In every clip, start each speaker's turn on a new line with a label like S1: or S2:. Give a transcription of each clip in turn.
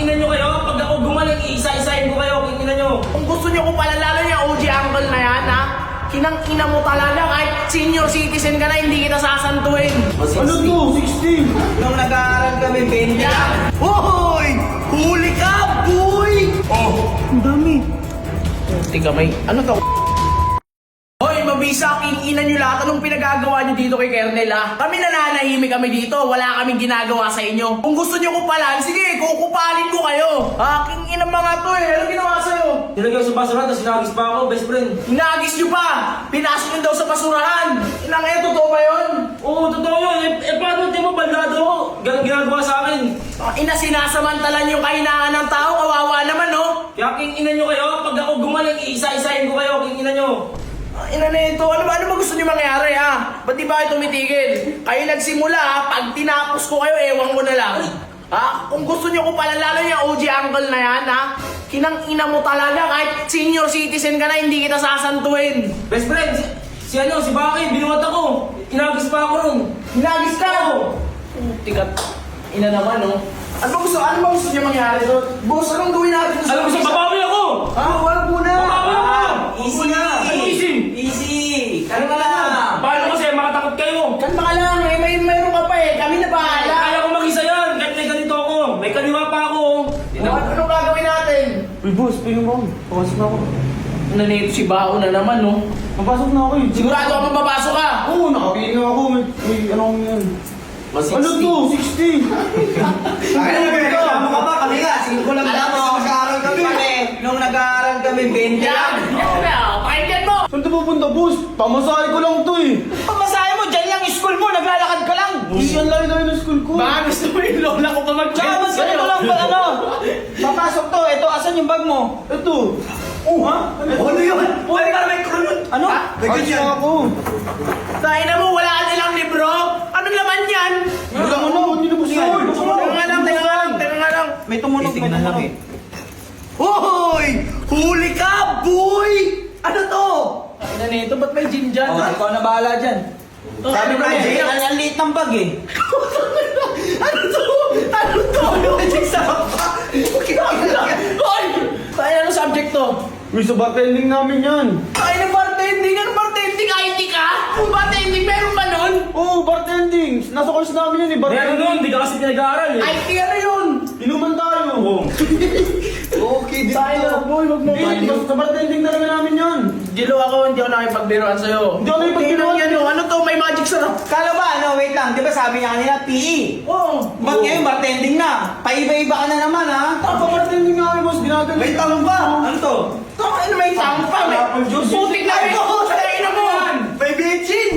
S1: ina nyo kayo. Pag ako gumaling, isa-isahin ko kayo. King ina nyo.
S2: Kung gusto nyo ko palalalo yung OG uncle na yan, ha? Kinang-ina mo talaga, kahit senior citizen ka na, hindi kita sasantuin.
S3: Ano to? 16!
S1: Nung nag-aaral kami, 20 lang.
S2: Hoy! Huli ka, boy!
S3: Oh! Ang dami!
S2: Tika may, ano to? Hoy, mabisa, king ina nyo lahat. Anong pinagagawa nyo dito kay Kernel, ha? Kami nananahimik kami dito. Wala kaming ginagawa sa inyo. Kung gusto nyo kupalan, sige, kukupalin ko kayo. King ina mga to eh. Anong ginawa sa'yo?
S1: Nilagay ko sa basura, tapos sinagis pa ako, best friend.
S2: Hinagis nyo pa! Pinasok nyo daw sa basurahan! Inang totoo ba yun?
S1: Oo, totoo yun. Paano di mo bandado ako? Ganun ginagawa sa akin.
S2: Ina, sinasamantalan yung kahinaan ng tao, kawawa naman, no?
S1: Kaya king ina nyo kayo. Pag ako gumaling, isa-isahin ko kayo, king ina nyo.
S2: Ina na ito, ano ba gusto niyo mangyari, ha? Ba't di ba kayo tumitigil? Kayo nagsimula, ha? Pag tinapos ko kayo, ewan ko na lang. Ha? Kung gusto niyo ko palalalo yung OG uncle na yan, ha? Kinang-ina mo talaga, kahit senior citizen ka na, hindi kita sasantuin.
S1: Best friend, si Baki, binuhat ako. Inagis pa ako nun.
S2: Hinagis ka! Tikat, ina naman, no? Ano ba gusto niyo mangyari doon? Boss, anong gawin natin?
S1: Alam mo sa babawi ako!
S2: Ha? Wala muna!
S1: Babawi ako!
S3: Easy na!
S1: Ano easy?
S3: Easy!
S1: Ano ka lang? Paano kasi makatakot kayo?
S2: Kalma ka lang, mayroon ka pa eh. Kami na bahala.
S1: Kaya ko mag-isa yan, kahit may ganito ako. May kaliwa pa ako.
S2: Anong gagawin natin?
S3: Uy, boss, pingin mo. Papasok na ako.
S2: Nanito si Bao na naman, no?
S3: Papasok na ako eh.
S2: Sigurado ako mapapasok ka!
S3: Oo, nakapingin ako. May ano kong yan. Ano to? 60!
S1: Ano nagreklamo ka ba? Kami nga, 5 lang. Alam mo, nag-aaral kami. Nung nag-aaral kami, 20 lang.
S2: Pakinggan mo!
S3: Saan ito pupunta, boss? Pamasahe ko lang to eh.
S2: Pamasahe mo, dyan lang yung school mo, naglalakad ka lang!
S3: Hindi yan layo ng school ko.
S2: Baka gusto mo yung lola ko pa
S1: Tsaka mas ganito lang ba ano? Papasok to, ito, asan yung bag mo?
S3: Ito. Oh, ha?
S1: Ano yun? Pwede ka na may kulot. Ano?
S3: Ayos na ako.
S2: Tayo na mo, wala ka nilang libro! Ano naman yan?
S3: Wala mo na, hindi na po siya.
S2: Teka nga lang.
S1: May tumunog, may tumunog.
S2: Hoy! Huli ka, boy! Ano to? Ano nito? Ba't may gin dyan?
S1: Oh, ikaw na bahala dyan. Sabi ko eh, ang liit ng bag eh.
S2: Ano to? Ano to? Magic sarap pa! Hoy! Tayo, ano subject to?
S3: Uy, sa bartending namin yan.
S2: Tayo na bartending! Ano bartending? IT ka? Kung bartending, meron ba nun?
S3: Oo, bartending. Nasa course namin yan eh,
S1: Meron
S3: bartending.
S1: nun, di ka kasi pinag-aaral eh.
S2: IT ano yun?
S3: Inuman tayo.
S2: Okay, tayo na, boy. Wag mo
S3: Hindi, sa bartending talaga namin yan.
S2: Jilo ako, hindi ako nakipagbiruan sa'yo.
S3: Hindi ako nakipagbiruan.
S2: Yan, ano to? May magic sarap.
S1: Kala ba, ano, wait lang, di ba sabi niya kanina, PE?
S2: Oo.
S1: Ba't ngayon, bartending na? Paiba-iba ka na naman ha?
S3: Sa bartending namin, boss. Ginagaling.
S1: May tanong ba? Ano to?
S2: Ano may tampa? May
S3: Apple juice.
S2: putik na ito. Tayo na mo. May bitchin.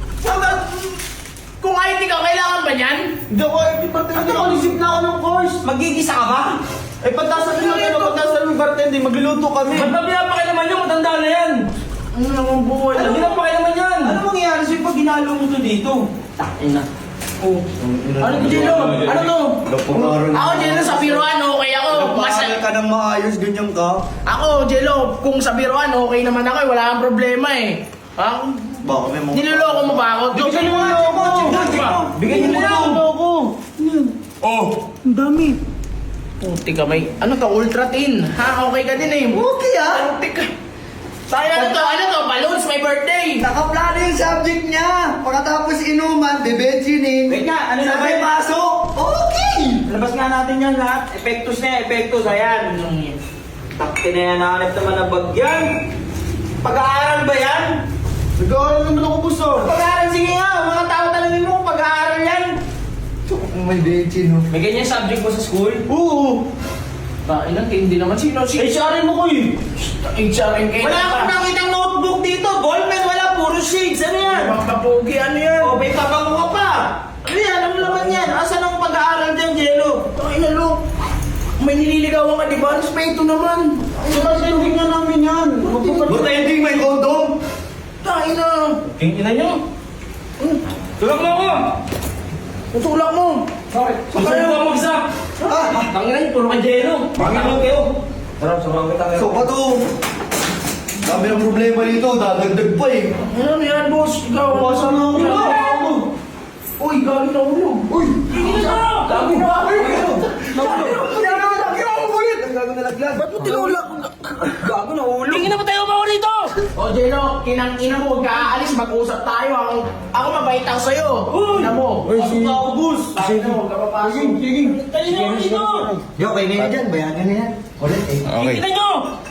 S2: Kung IT ka, kailangan ba niyan?
S3: Hindi ako ay bartending. Nakalisip na ako ng course.
S1: Magigisa ka ba?
S3: Eh, pagtasan nyo ano, pagtasan ng bartending, magluluto kami.
S1: Ba't ba pinapakailaman yung matanda na yan?
S2: Ano naman buhay?
S1: Ano pinapakailaman yan? Ano mangyayari sa'yo pag ginalo mo to dito?
S2: Ina. Oh. Ano to, Jelo? Ano to? Ako, Jelo, sa biruan, okay ako.
S4: Ka ng maayos, ganyan ka.
S2: Ako, Jelo, kung sa biruan, okay naman ako. Wala kang problema eh. Ha?
S4: Baka may mga...
S2: Niloloko mo ba ako?
S3: Bigyan nyo nga ako.
S1: Bigyan nyo na lang.
S3: ako.
S4: Oh!
S3: Ang dami.
S2: Puti ka may, ano to, ultra thin. Ha, okay ka din eh.
S4: Okay ah!
S2: Puti ka. Tayo, ano to, balloons, may birthday.
S4: Nakaplano yung subject niya. Pagkatapos inuman, bebetsinin.
S1: Wait nga, ano na ba
S4: Sabay
S1: yun?
S4: pasok. Okay!
S1: Labas nga natin yan lahat. Epektos na, epektos. Ayan. Takti na yan, nahanap naman ng bag yan. Pag-aaral ba yan?
S3: Nag-aaral naman ako, boss.
S1: Pag-aaral, sige nga. Mga tao talangin mo kung pag-aaral yan.
S4: May betsin, no?
S1: May ganyan subject mo sa school?
S3: Oo.
S2: Ina, hindi naman sino.
S3: HRM ako eh.
S2: HRM kayo.
S1: Wala akong nakitang notebook dito. Ballpen, wala. Puro shades. Ano yan?
S2: Mga kapogi, ano yan?
S1: O, may pabango ka pa. Ano yan? Ano naman yan? Asan ang pag-aaral dyan, Jello?
S2: Ina, lo. May nililigawan ka, di ba? Respeto naman.
S3: Sa bartending na namin yan.
S4: Bartending, may condom.
S2: Tayo na.
S1: Tingnan nyo. Tulak mo ako.
S2: Tutulak mo.
S1: Bakit? Susunod ko mag-isa. Tanginan nyo, puro ka Jello. Panginoon kayo. Tara, samahan kita kayo.
S4: So, pato. Dami ng problema dito, dadagdag pa eh.
S2: Ano yan, boss? Ikaw.
S3: Pasa na ako.
S2: Ano? Uy, galing na ulo.
S4: Uy!
S2: Tingin na! Galing na! Galing na!
S4: nalaglag.
S3: Ba't mo tinulak?
S1: Gago na ulo.
S3: Tingin na ba tayo ba rito?
S2: O, Jeno, kinang-ina mo, huwag ka aalis, mag-usap tayo. Ako mabait ako sa'yo. Ina mo.
S3: Uy, si...
S1: Boss.
S2: Bakit mo, huwag ka papasok.
S3: Sige.
S1: Tayo na ako dito.
S4: Yo, okay na yan dyan. Bayagan na yan. Ulit eh.
S3: Okay.
S1: Tingnan nyo.